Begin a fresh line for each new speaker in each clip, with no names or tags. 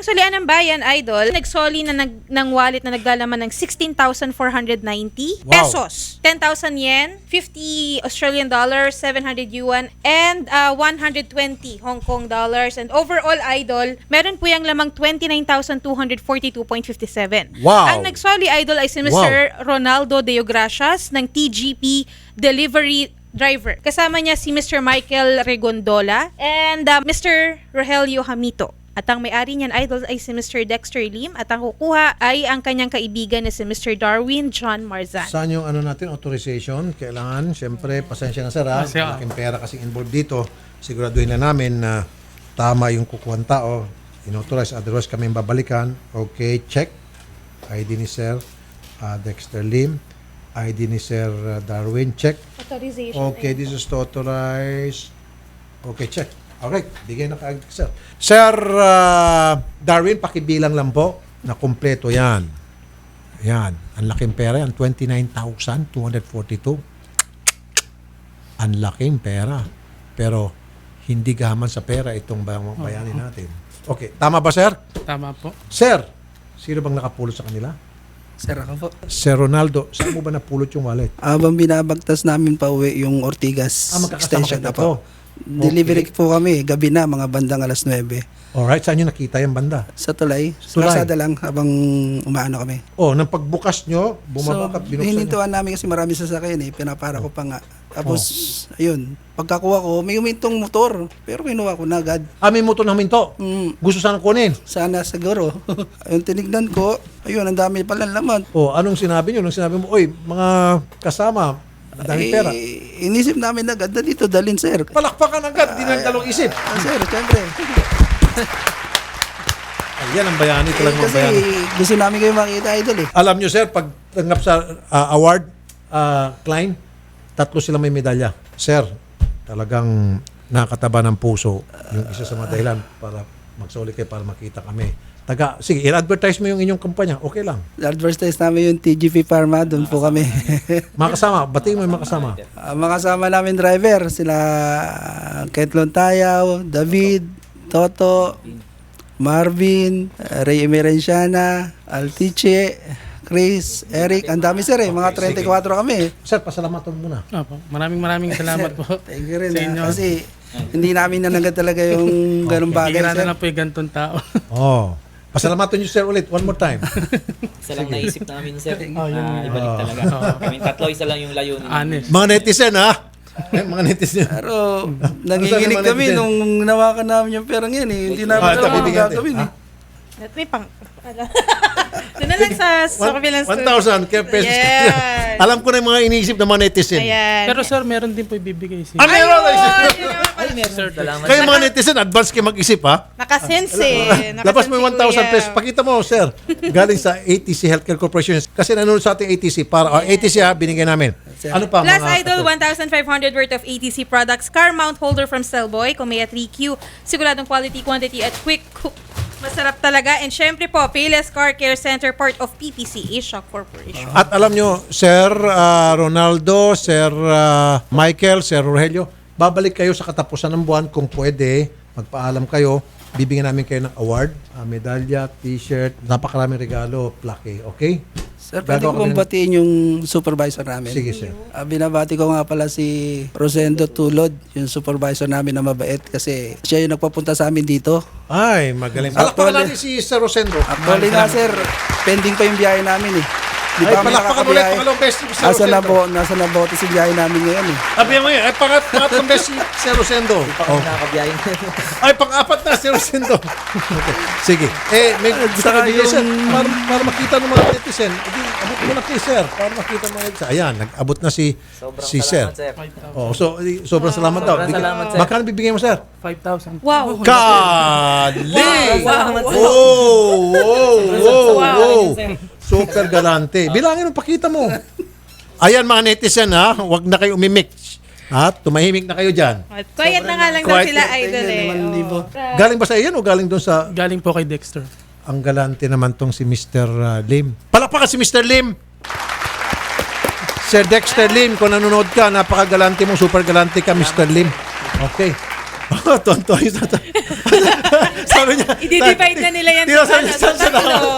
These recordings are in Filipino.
Solian ng Bayan, Idol, nagsoli na ng wallet na naglalaman ng 16,490 pesos, 10,000 yen, 50 Australian dollars, 700 yuan, and 120 Hong Kong dollars. And overall, Idol, meron po yung lamang 29,242.57.
Wow.
Ang nagsoli, Idol, ay si Mr. Ronaldo Deogracias ng TGP Delivery Driver. Kasama niya si Mr. Michael Regondola and Mr. Rogelio Hamito. At ang may-ari niyan, Idol, ay si Mr. Dexter Lim at ang kukuha ay ang kanyang kaibigan na si Mr. Darwin John Marzan.
Saan yung natin, authorization? Kailangan, siyempre, pasensya na sir ha. Malaking pera kasing involved dito. Siguraduhin na namin na tama yung kukuhan tao. Inauthorize, otherwise kami babalikan. Okay, check. ID ni Sir Dexter Lim. ID ni Sir Darwin, check.
Authorization.
Okay, this is to authorize. Okay, check. Alright, bigay na kaagad, sir. Sir Darwin, pakibilang lang po na kumpleto yan. Yan. Ang laking pera yan. 29,242. Ang laking pera. Pero hindi gaman sa pera itong bayanin natin. Okay, tama ba, sir?
Tama po.
Sir, sino bang nakapulot sa kanila?
Sir, ako po.
Sir Ronaldo, saan mo ba napulot yung wallet?
Habang binabagtas namin pa uwi yung Ortigas
Magkakasama
extension
kayo
na po. Delivery po kami, gabi na, mga bandang alas 9.
Alright, saan nyo nakita yung banda?
Sa Tulay. Sa
Tulay.
Lazada lang habang umaano kami.
Oh, nang pagbukas nyo, bumaba ka, binuksan nyo.
hinintuan namin kasi marami sasakyan pinapara ko pa nga. Tapos, ayun, pagkakuha ko, may umintong motor. Pero kinuha ko na agad.
May motor na huminto. Gusto sana kunin.
Sana siguro. Ayun, tinignan ko, ayun, ang dami pala laman.
Oh, anong sinabi nyo? Nung sinabi mo, oy, mga kasama, ang daming pera.
Inisip namin agad na dito, dalhin sir.
Palakpakan agad, di na dalawang isip.
Sir, syempre.
Ayan ang bayani, talagang mga
Kasi
bayani.
gusto namin kayo makita, idol
Alam nyo sir, pag tanggap sa award, Klein, 3 sila may medalya. Sir, talagang nakataba ng puso yung isa sa mga dahilan para magsoli kayo para makita kami. Sige, i-advertise mo yung inyong kumpanya. Okay lang.
Advertise namin yung TGP Pharma, doon po kami.
Mga kasama, batiin mo yung mga kasama.
Mga kasama namin driver, sila Ketlon Tayaw, David, Toto, Marvin, Ray Emerenciana, Altiche, Chris, Eric, ang dami sir mga 34 kami.
Sir, pasalamatan muna.
Opo. Maraming salamat po.
Thank you rin
sa inyo.
kasi hindi namin nanagat talaga yung ganung bagay
Bigyan
sir.
na lang po yung ganitong tao.
Oh. Pasalamatan nyo sir ulit, one more time.
Isa lang naisip namin, sir.
yun.
Ibalik talaga. Kami tatlo, isa lang yung layunin.
Honest.
Mga netizen ha? Mga netizen.
Pero nanginginig
Ano
kami
naman
nung nawakan namin yung perang yan Hindi namin
ito,
alam
bibigyan
ang gagawin
natin.
At may pang... Doon na lang sa kabilang
1,000 kaya pesos.
Yes.
Alam ko na yung mga iniisip ng mga netizen.
Ayan.
Pero sir, meron din po ibibigay si
Meron!
Ay, meron. Salamat.
Kayo mga netizen, advance kayo mag-isip ha?
Nakasense
Labas mo yung 1,000 pesos. Pakita mo, sir. Galing sa ATC Healthcare Corporation. Kasi nanonood sa ating ATC. ATC ha, binigay namin. Ano pa?
Plus
mga-
Idol, 1,500 worth of ATC products. Car mount holder from Cellboy, Kumeya 3Q. Siguradong quality, quantity at quick cook. Masarap talaga. And syempre po, Payless Car Care Center, part of PPC, Asia Corporation.
At alam nyo, Sir Ronaldo, Sir Michael, Sir Rogelio, babalik kayo sa katapusan ng buwan kung pwede. Magpaalam kayo. Bibigyan namin kayo ng award, medalya, t-shirt, napakaraming regalo, plaque. Okay?
Sir, pwede ko bang batiin yung supervisor namin?
Sige, sir.
Binabati ko nga pala si Rosendo Tulod, yung supervisor namin na mabait kasi siya yung nagpapunta sa amin dito.
Ay, magaling. Palakpakan natin si Sir Rosendo.
Actually nga sir, pending pa yung biyahe namin Di
Ay,
ba kami
palakpakan ulit.
nakakabiyahe?
Pangalawang beses si Sir
Nasa
Rosendo.
nasa nabote si biyahe namin ngayon
Sabi mo yun, ay pangatlong beses si Sir Rosendo.
Kami nakakabiyahin.
Ay, pang-apat na si Rosendo. Okay. Sige. May gusto
Saka
ka bigay, sir.
yung-
Para makita ng mga netizen. Abot mo na kay sir. Para makita ng mga netizen. Ayan, nag-abot na si
Sobrang
sir.
salamat, sir.
Oh, so sobrang salamat daw.
Sobrang salamat, sir.
Magkano bibigyan mo, sir?
5,000.
Wow.
Kali!
Salamat, sir.
Wow! Super galante. Bilangin mo, pakita mo. Ayan mga netizen ha, huwag na kayo umimik. Tumahimik na kayo dyan.
At quiet na nga lang daw
Quiet.
sila, Idol
Galing ba sa iyan o galing doon sa...
Galing po kay Dexter.
Ang galante naman tong si Mr. Lim. Palakpakan si Mr. Lim! Sir Dexter Lim, kung nanonood ka, napakagalante mo, super galante ka, Mr. Lim. Okay. Tonto. Sabi niya.
I-divide na nila yan
Tira
sa
sa
tatlo.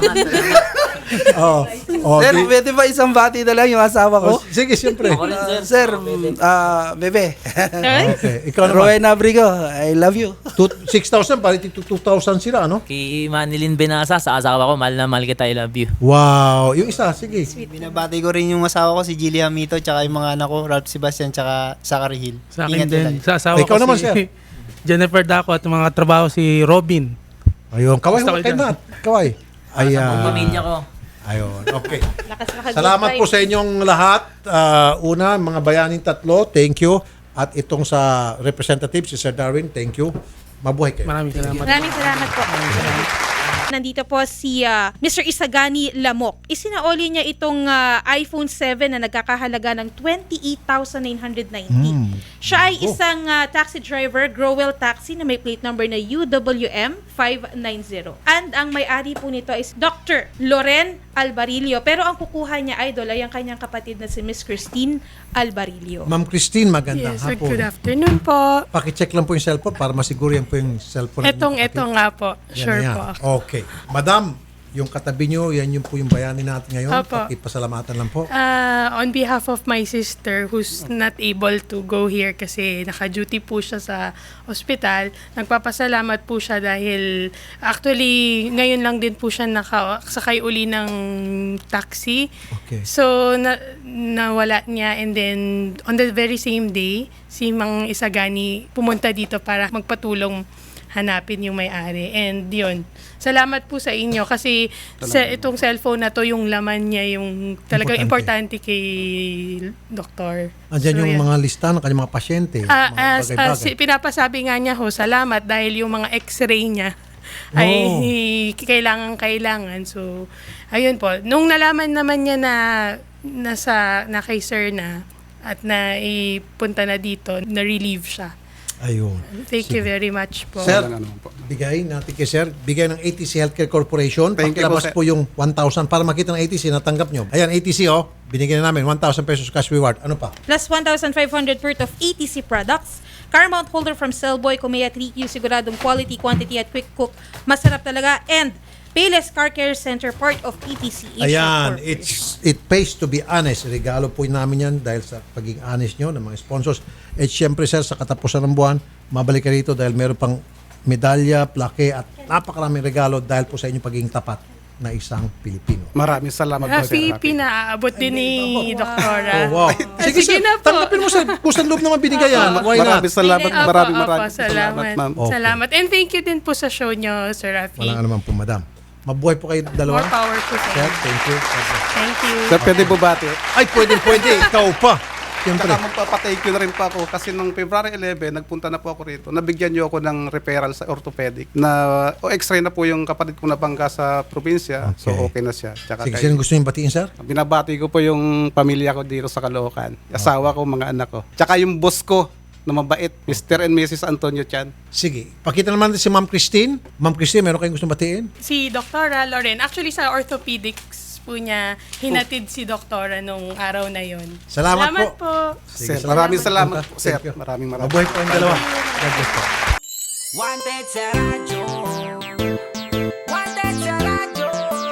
Oh, oh,
Sir, pwede ba isang bati na lang yung asawa ko?
sige, siyempre.
Ako rin, sir.
Sir, bebe.
Okay, ikaw naman.
Rowena Abrigo, I love you.
6,000, parang 2,000 sila, ano?
Kay Manilyn Benasa, sa asawa ko, mahal na mahal kita, I love you.
Wow. Yung isa, sige.
Binabati ko rin yung asawa ko, si Gilly Hamito, tsaka yung mga anak ko, Ralph Sebastian, tsaka Zachary Hill.
Sa akin
Ingat
din.
lagi.
Sa asawa
Ikaw
ko
naman,
si
sir.
Jennifer Daco at mga trabaho si Robin.
Ayun, kaway
Gusto
mo
ko
kay
dyan.
Nat. Kaway.
Sa buong pamilya ko.
Ayun, okay.
Lakas
Salamat po sa inyong lahat. Una, mga bayaning tatlo, thank you. At itong sa representative, si Sir Darwin, thank you. Mabuhay kayo.
Maraming salamat.
Maraming salamat po. Nandito po si Mr. Isagani Lamok. Isinaoli niya itong iPhone 7 na nagkakahalaga ng 28,990. Siya ay isang taxi driver, Growell Taxi, na may plate number na UWM 590. And ang may-ari po nito is Dr. Loren Albarillo. Pero ang kukuha niya, idol, ay ang kanyang kapatid na si Miss Christine Albarillo.
Ma'am Christine, magandang
Yes, sir.
hapon.
Good afternoon po.
Pakicheck lang po yung cellphone para masiguro yan po yung cellphone.
Ito nga po.
Yan
Sure
na yan.
po.
Okay. Madam, yung katabi nyo, yan yung po yung bayani natin ngayon.
Opo.
Pakipasalamatan lang po.
On behalf of my sister who's not able to go here kasi naka-duty po siya sa ospital, nagpapasalamat po siya dahil actually ngayon lang din po siya nakasakay uli ng taxi.
Okay.
So nawala niya, and then on the very same day, si Mang Isagani pumunta dito para magpatulong hanapin yung may-ari. And yun, salamat po sa inyo kasi itong cellphone na to, yung laman niya, yung talagang importante kay doktor.
Andyan
So,
yung
yan.
mga lista ng kanyang mga pasyente. Mga bagay-bagay.
Pinapasabi nga niya ho, salamat dahil yung mga x-ray niya ay kailangan. So, ayun po. Nung nalaman naman niya na kay sir na at na ipunta na dito, na-relieve siya.
Ayun.
Thank you very much po.
Sir, bigay natin kay Sir. Bigay ng ATC Healthcare Corporation.
Thank you po,
Pakilabas
sir.
po yung 1,000 para makita ng ATC na tanggap nyo. Ayan, ATC binigyan na namin 1,000 pesos cash reward. Ano pa?
Plus 1,500 worth of ATC products. Car mount holder from Cellboy, Kumeya 3Q, siguradong quality, quantity at quick cook. Masarap talaga. And Payless Car Care Center, part of PTC Asia
Ayan,
Corporation.
it pays to be honest. Regalo po namin yan dahil sa pagiging honest nyo ng mga sponsors. At syempre sir, sa katapusan ng buwan, mabalik ka rito dahil meron pang medalya, plaque at napakaraming regalo dahil po sa inyong pagiging tapat na isang Pilipino.
Maraming salamat po, sir.
Happy pinaaabot din ni Doktora.
Oh, wow. Sige,
Sige
sir,
na po.
tanggapin mo sir. Pusang loob naman binigay yan. Why not?
Maraming salamat,
Opo,
maraming
opo, salamat.
ma'am.
Okay.
Salamat. And thank you din po sa show nyo, Sir Rafi.
Walang anuman po, madam. Mabuhay po kayo dalawa.
More power po sa
Sir,
inyo.
thank you.
Thank you.
Sir, pwede po bati.
Ay, pwede. Ikaw pa. Siyempre.
Saka magpapatake you na rin po ako kasi nung February 11, nagpunta na po ako rito. Nabigyan niyo ako ng referral sa orthopedic na x-ray na po yung kapatid ko na bangga sa probinsya. So okay na siya. Tsaka
Sige,
kay-
sino gusto niyong batiin, sir?
binabati ko po yung pamilya ko dito sa Caloocan. Asawa ko, mga anak ko. Tsaka yung boss ko na mabait, Mr. and Mrs. Antonio Chan.
Sige. Pakita naman natin si Ma'am Christine. Ma'am Christine, meron kayong gustong batiin?
Si Doktora Loren, actually sa orthopedics po niya, hinatid si Doktora nung araw na yon.
Salamat
po.
Sige,
Sir, maraming salamat po,
Thank
sir.
you.
Maraming
Mabuhay po ang dalawa. God bless po.
Wanted sa radyo. Wanted sa radyo.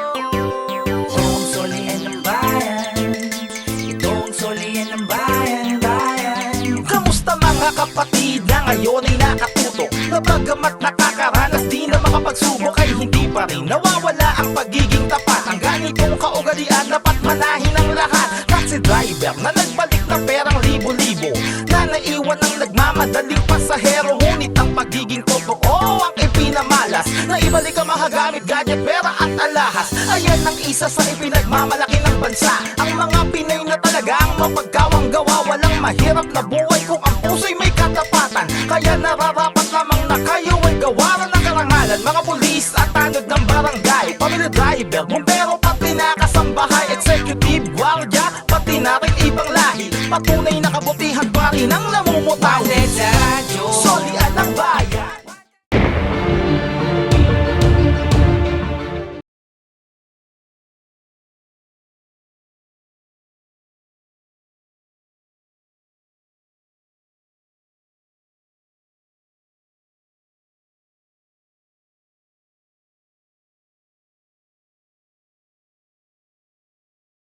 Itong solian ng bayan. Itong solian ng bayan. Kamusta mga kapatid na ngayon ay nakatutok? Na bagamat nakakaranas di na makapagsubok ay hindi pa rin nawawala ang pagiging tapat. Ang ganitong kaugalian dapat manahin ng lahat. Taxi driver na nagbalik na perang libo-libo, na naiwan ang nagmamadaling pasahero. Ngunit ang pagiging totoo ang ipinamalas, na ibalik ang mahagamit, gadget, pera at alahas. Ayan ang isa sa ipinagmamalaki ng bansa. Ang mga Pinay na talaga ang mapagkawang gawa. Walang mahirap na buhay kung ang puso'y may katapatan. Kaya nararapat lamang na kayo ay gawaran ng karangalan. Mga pulis at tanod ng barangay, pamilya driver, bumbero, pati nakasambahay, executive, guardia, pati na rin ibang lahi. Patunay na kabutihan pa rin ang namumutay. Wanted sa radyo.